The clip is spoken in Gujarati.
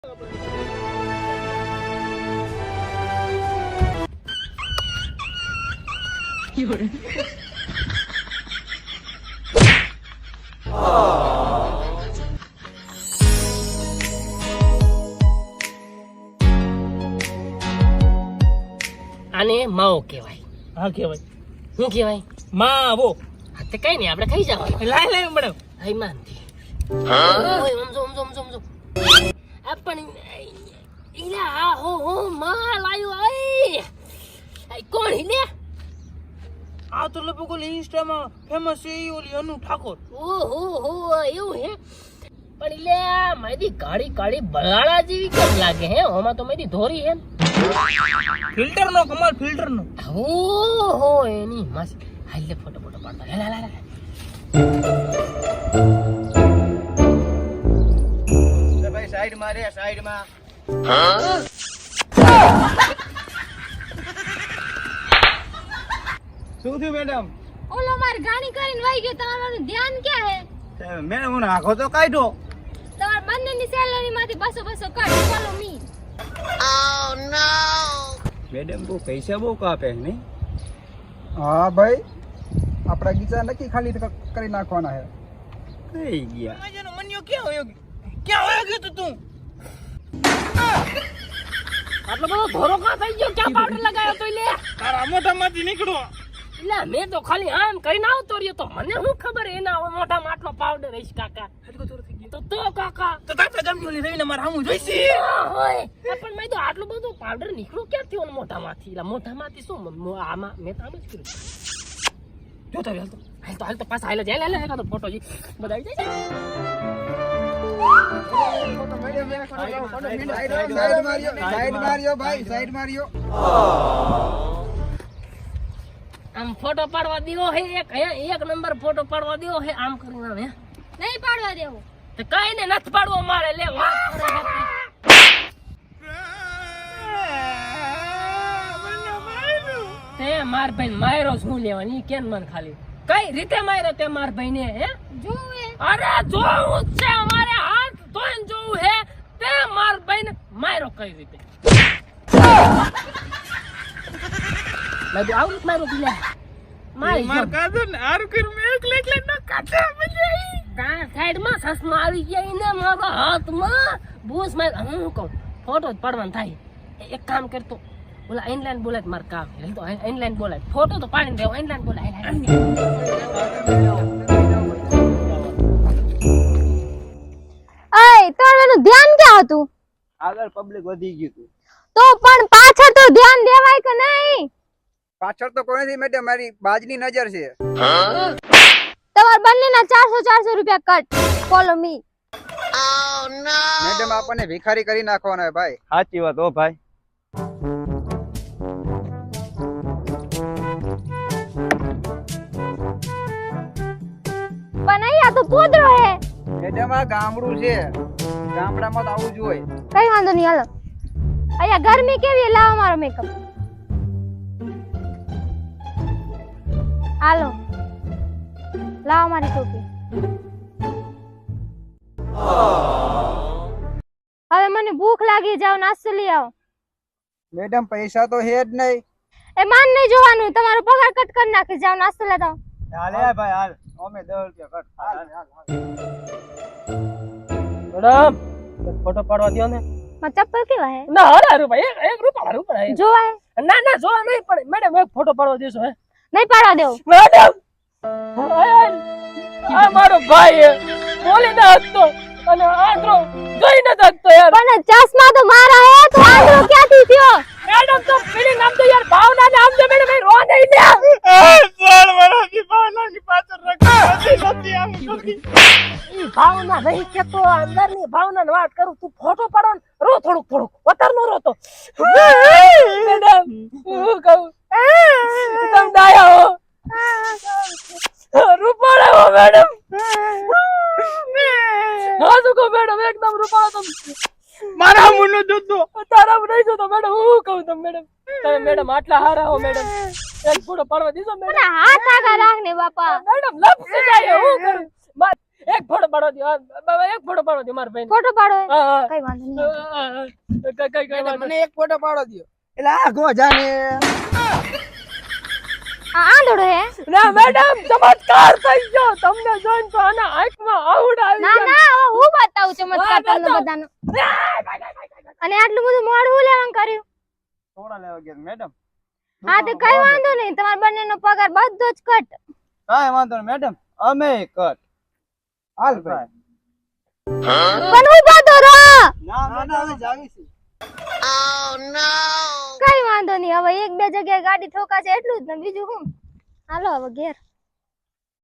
આને માવો કહેવાય. હા કહેવાય. શું કહેવાય? માવો. હા તે કઈ નહીં, આપણે ખાઈ જવાનું. લાય મેડમ. હાઈ માનતી. ઓય સમજો. આ પણ ઈલા આ હો માલ આયો. આઈ કોણ હિલે? આ તો લગભગ ઓલી ઇન્સ્ટામાં ફેમસ છે ઈ ઓલી અનુ ઠાકોર. ઓહો એવું હે? પણ ઈલે મારી કાળી કાળી બલાળા જેવી કેમ લાગે હે? ઓમાં તો મારી ધોરી હે. ફિલ્ટર નો કમાલ, ફિલ્ટર નો. ઓહો એની મસ્ત. હાલ લે ફોટો પાડતા. લા ભાઈ સાઈડ માં રે, સાઈડ માં. શું થયું મેડમ? ઓલો માર ગાડી કરીને વઈ ગયો. તમારું ધ્યાન ક્યાં હે? મેડમ હું નાખો તો કાઢો. તમાર બંનેની સેલરી માંથી 200 કટ. Follow me. મેડમ બહુ પૈસા બહુ કાપે નહીં? હા ભાઈ, આપણા ગીચા નક્કી ખાલી કરી નાખવાના છે. કઈ ગયા? માજાનો મન્યો ક્યાં હોયો ગયો તું? આટલો બધો ધોરો કા થઈ ગયો? ક્યાં પાવડર લગાવ્યો તો લે? તારા મોઢામાંથી નીકળો. એટલે મેં તો ખાલી આમ કરીને આવતો રહ્યો, તો મને શું ખબર એના મોઢામાં આટલો પાવડર હશે કાકા. તો કાકા તો તાતા જમજોલી રહીને મારા હામું જોઈશે. હોય પણ મેં તો આટલું બધું પાવડર નીકળ્યું ક્યાંથી ઓન મોઢામાંથી? એટલે મોઢામાંથી શું આમાં મેં તો આમ જ કર્યું. જો તો હાલ તો પાછા હાલ જાય. લે તો ફોટો જી બધા આવી જાય. સાઈડ માર્યો ભાઈ, સાઈડ માર્યો. આમ ફોટો પાડવા દેવો હે એક નંબર ફોટો પાડવા દેવો હે. આમ કરીને આમ હે નહીં પાડવા દેવો. તો કઈ ને નથી પાડવો મારે. લે તે માર ભાઈ માર્યો શું લેવાની? કેમ મને ખાલી કઈ રીતે માર્યો તે માર ભાઈ ને? હે જોવે. અરે જોવું જ છે, અમારે હાથ ધોઈને જોવું હે. તે માર ભાઈ ને માર્યો કઈ રીતે? મેં આવું જ માર્યો તું. મારી માર કાદો ને આર કર મે એકલે ન કાઢે મજા કા સાઈડ માં સસમા આવી ગયા ને મારા હાથમાં બૂસ માર. હું કહું ફોટો જ પાડવાનો થાય. એક કામ કરતો ઓલા ઇનલાઈન બોલાય માર કામ હે તો ઇનલાઈન બોલાય. ફોટો તો પાડીને દેવો, ઇનલાઈન બોલાય. અય તારું ધ્યાન ક્યાં હતું? આગળ પબ્લિક વધી ગયું તું. તો પણ પાછળ તો ધ્યાન દેવાય કે નહીં? પાછળ તો કોઈ નથી મેડમ, મારી બાજની નજર છે. તમાર બંનેના 400 રૂપિયા કટ. Follow me. મેડમ આપણને ભિખારી કરી નાખવાના છે ભાઈ. સાચી વાત હો ભાઈ. પણ અહીંયા તો પોદરો હે. મેડમ આ ગામડું છે, ગામડામાં તો આવું જ હોય. કઈ વાંધો નહીં, હાલો. અહીંયા ગરમી કેવી હે? લાવો મારો મેકઅપ. હાલો લાવો મારી ટોપી. હવે મને ભૂખ લાગી, જાવ નાસ્તો લઈ આવો. મેડમ પૈસા તો હે જ નહીં. એ માન નહીં જોવાનું, તમારો પગાર કટ કરી નાખી. જાવ નાસ્તો લેતા આવો. હાલે ભાઈ હાલ. અમે 10 રૂપિયા કટ. હાલ. મેડમ ફોટો પાડવા દો ને. માં ચપ્પલ કેવા હે? ના હારું ભાઈ, એક રૂપિયા જોવા હે? ના જોવા નહીં પણ મેડમ એક ફોટો પાડવા દેશો? હે નહીં પાડવા દેવો. મેડમ આ મારો ભાઈ હે, બોલી ના હકતો અને આંધળો જોઈ ન શકતો યાર. પણ ચશ્મા તો મારા હે, તો આંધળો ક્યાંથી થયો? મેડમ તો પેલી નામ તો યાર ભાવના ને આમ જો મેડમ એ રો નહીં લે. ચાલ મારાથી ભાવનાની પાછળ રાખી નથી આમ કરી. ઈ ભાવના નહીં કે તો અંદરની ભાવનાની વાત કરું. તું ફોટો પાડો ને રો થોડુંક વતર નો રોતો. મેડમ હું કહું તમ ડાયા હો, રૂપાળા હો મેડમ. હા શું કહો મેડમ, એકદમ રૂપાળા. તમે મારા મુનો જોતો તારા નહીં જોતો મેડમ. હું કહું તમે મેડમ, તમે મેડમ આટલા હારા હો મેડમ. એક ફોટો પાડવા દીધો મેડમ. હાથ આગળ રાખ ને બાપા. મેડમ લપ જાય. હું કરું એક ફોટો પાડો દો એક ફોટો પાડો દો મારા ભાઈ ફોટો પાડો હે? હા હા કઈ વાંધો નહીં કઈ વાંધો મને એક ફોટો પાડો દો. એટલે આ ગોજાને આ આંધળો હે ના મેડમ ચમત્કાર થઈ ગયો તમને જોઈને તો આના આંખમાં આવડ આવી ના ગયા. ના હવે હું બતાવું ચમત્કાર હા, તમને બતાવ. બધાનો અને આટલું બધું મોડું હું લેવાનું કર્યું થોડા લેવા ગયા મેડમ. હા તો કઈ વાંધો નહીં તમારા બંનેનો પગાર બધો જ કટ કાંઈ વાંધો નહીં મેડમ, અમે કટ. હાલ ભાઈ. પણ હું બાતો રહો ના ના હવે જાવી છે. કઈ વાંધો નહીં હવે એક બે જગ્યાએ ગાડી ઠોકાશે એટલું જ ને બીજું શું હાલો હવે ઘેર